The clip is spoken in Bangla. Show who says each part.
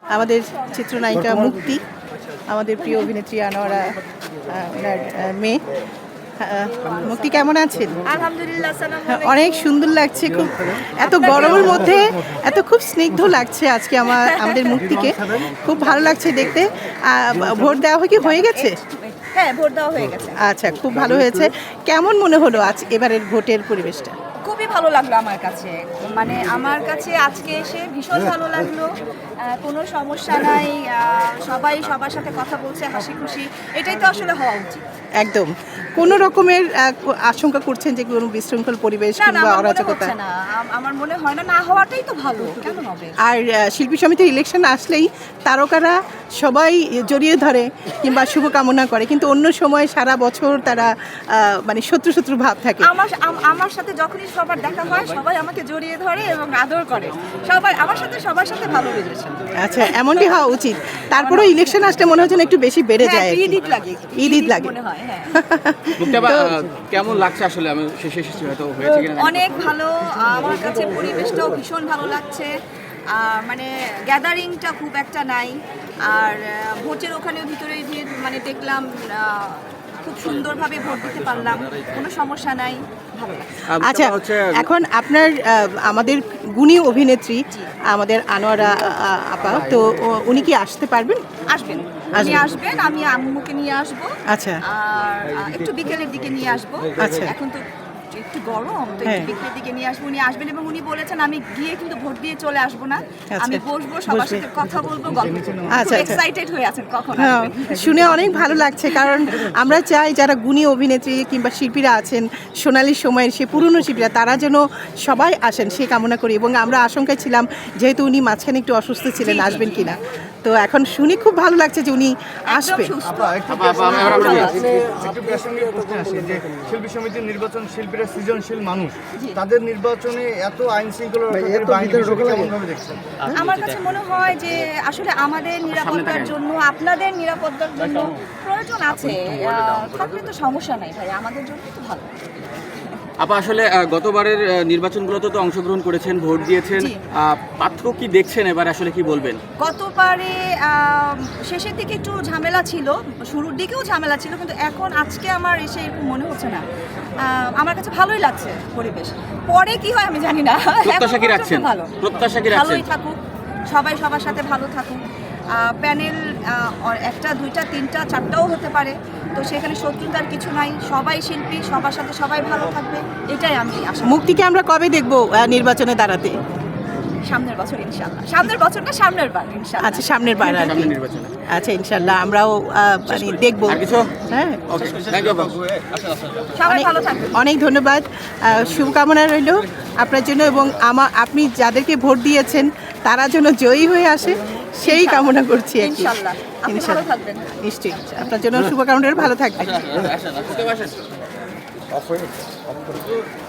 Speaker 1: আমাদের চিত্রনায়িকা মুক্তি, আমাদের প্রিয় অভিনেত্রী আনোয়ারা ওনার মেয়ে। মুক্তি কেমন আছেন?
Speaker 2: আলহামদুলিল্লাহ।
Speaker 1: অনেক সুন্দর লাগছে, খুব এত গরমের মধ্যে এত খুব স্নিগ্ধ লাগছে আজকে আমাদের মুক্তিকে, খুব ভালো লাগছে দেখতে। ভোট দেওয়া হয়ে গেছে?
Speaker 2: হ্যাঁ, ভোট দেওয়া হয়ে গেছে।
Speaker 1: আচ্ছা, খুব ভালো হয়েছে। কেমন মনে হলো আজ এবারের ভোটের পরিবেশটা?
Speaker 2: খুবই ভালো লাগলো আমার কাছে, মানে আমার কাছে আজকে এসে ভীষণ ভালো লাগলো। কোনো সমস্যা নাই, সবাই সবার সাথে কথা বলছে হাসি খুশি, এটাই তো আসলে হওয়া উচিত।
Speaker 1: একদম। কোন রকমের আশঙ্কা করছেন যে কোনো বিশৃঙ্খল পরিবেশ কিংবা অরাজকতা?
Speaker 2: না, আমার মনে হয় না, না হওয়াটাই তো ভালো, কেন হবে?
Speaker 1: আর শিল্পী সমিতির ইলেকশন আসলেই তারকারা সবাই জড়িয়ে ধরে কিংবা শুভকামনা করে, কিন্তু অন্য সময় সারা বছর তারা মানে শত্রু ভাব থাকে।
Speaker 2: আমার সাথে যখনই সবার দেখা হয় সবাই আমাকে জড়িয়ে ধরে এবং আদর করে, সবাই আমার সাথে সবার সাথে ভালো রিলেশন।
Speaker 1: আচ্ছা, এমনটি হওয়া উচিত। তারপরে ইলেকশন আসলে মনে হচ্ছে একটু বেশি বেড়ে যায়,
Speaker 2: ঈদ লাগে মনে হয়। হ্যাঁ,
Speaker 3: কেমন লাগছে আসলে? আমি শেষে হয়তো হয়েছে কিনা।
Speaker 2: অনেক ভালো, আমার কাছে পরিবেশটাও ভীষণ ভালো লাগছে। মানে গ্যাদারিংটা খুব একটা নাই, আর ভোটের ওখানে ভিতরে গিয়ে মানে দেখলাম খুব সুন্দরভাবে ভোট দিতে পারলাম, কোনো সমস্যা নাই, ভালো লাগছে।
Speaker 1: আচ্ছা, এখন আপনার আমাদের গুণী অভিনেত্রী আমাদের আনোয়ারা আপা, তো উনি কি আসতে পারবেন?
Speaker 2: আসবেন, আমি আম্মুকে নিয়ে আসবো।
Speaker 1: আচ্ছা,
Speaker 2: আর একটু বিকেলের দিকে নিয়ে আসবো।
Speaker 1: আচ্ছা,
Speaker 2: এখন তো একটু গরম, তো একটু বিকেলের দিকে নিয়ে আসবো। উনি আসবেন এবং উনি বলেছেন আমি গিয়ে কিন্তু ভোট দিয়ে চলে আসবো না, আমি বসবো, সবার সাথে কথা বলবো, গল্প করবো।
Speaker 1: আচ্ছা,
Speaker 2: এক্সাইটেড হয়ে আছেন কখন
Speaker 1: হ্যাঁ,
Speaker 2: আসবেন।
Speaker 1: শুনে অনেক ভালো লাগছে, কারণ আমরা চাই যারা গুণী অভিনেত্রী কিংবা শিল্পীরা আছেন সোনালী সময়ের সে পুরনো শিল্পীরা, তারা যেন সবাই আসেন সে কামনা করি। এবং আমরা আশঙ্কায় ছিলাম যেহেতু উনি মাঝখানে একটু অসুস্থ ছিলেন, আসবেন কিনা, তো এখন শুনে খুব ভালো লাগছে যে উনি আসবেন।
Speaker 4: শিল্পী সমিতির নির্বাচন, শিল্পীরা সৃজনশীল মানুষ, তাদের নির্বাচনে এত আইন শৃঙ্খলা দেখছেন?
Speaker 2: আমার কাছে মনে হয় যে আসলে আমাদের নিরাপত্তার জন্য, আপনাদের নিরাপত্তার জন্য প্রয়োজন আছে, থাকলে তো সমস্যা নাই ভাই, আমাদের জন্য তো ভালো।
Speaker 3: আপা আসলে গতবারের নির্বাচনগুলোতে তো অংশগ্রহণ করেছেন, ভোট দিয়েছেন, পার্থক্য কি দেখছেন এবার, আসলে কি বলবেন?
Speaker 2: গতবারে শেষের দিকে একটু ঝামেলা ছিল, শুরুর দিকেও ঝামেলা ছিল, কিন্তু এখন আজকে আমার এসে এরকম মনে হচ্ছে না। আমার কাছে ভালোই লাগছে পরিবেশ। পরে কি হয় আমি জানি না।
Speaker 3: প্রত্যাশা কি রাখছেন? প্রত্যাশা কি রাখছেন?
Speaker 2: ভালোই থাকুক, সবাই সবার সাথে ভালো থাকুক। প্যানেল একটা, দুইটা, তিনটা, চারটাও হতে পারে, তো সেখানে শত্রুতার কিছু নাই, সবাই শিল্পী, সবার সাথে সবাই ভালো থাকবে, এটাই আমি আশা।
Speaker 1: মুক্তিকে আমরা কবে দেখবো নির্বাচনে দাঁড়াতে?
Speaker 2: সামনের বছর ইনশাআল্লাহ। সামনের বছর না, সামনের বার ইনশাআল্লাহ।
Speaker 1: আচ্ছা, সামনের বার আর কি।
Speaker 3: নির্বাচনে
Speaker 1: আচ্ছা, ইনশাআল্লাহ আমরাও মানে দেখবো। হ্যাঁ,
Speaker 2: সবাই ভালো থাকবে।
Speaker 1: অনেক ধন্যবাদ, শুভকামনা রইল আপনার জন্য, এবং আপনি যাদেরকে ভোট দিয়েছেন তারা যেন জয়ী হয়ে আসে সেই কামনা করছি।
Speaker 2: ইনশাআল্লাহ আপনি ভালো থাকবেন।
Speaker 1: নিশ্চয়ই, আপনার জন্য শুভকামনা, ভালো থাকবেন।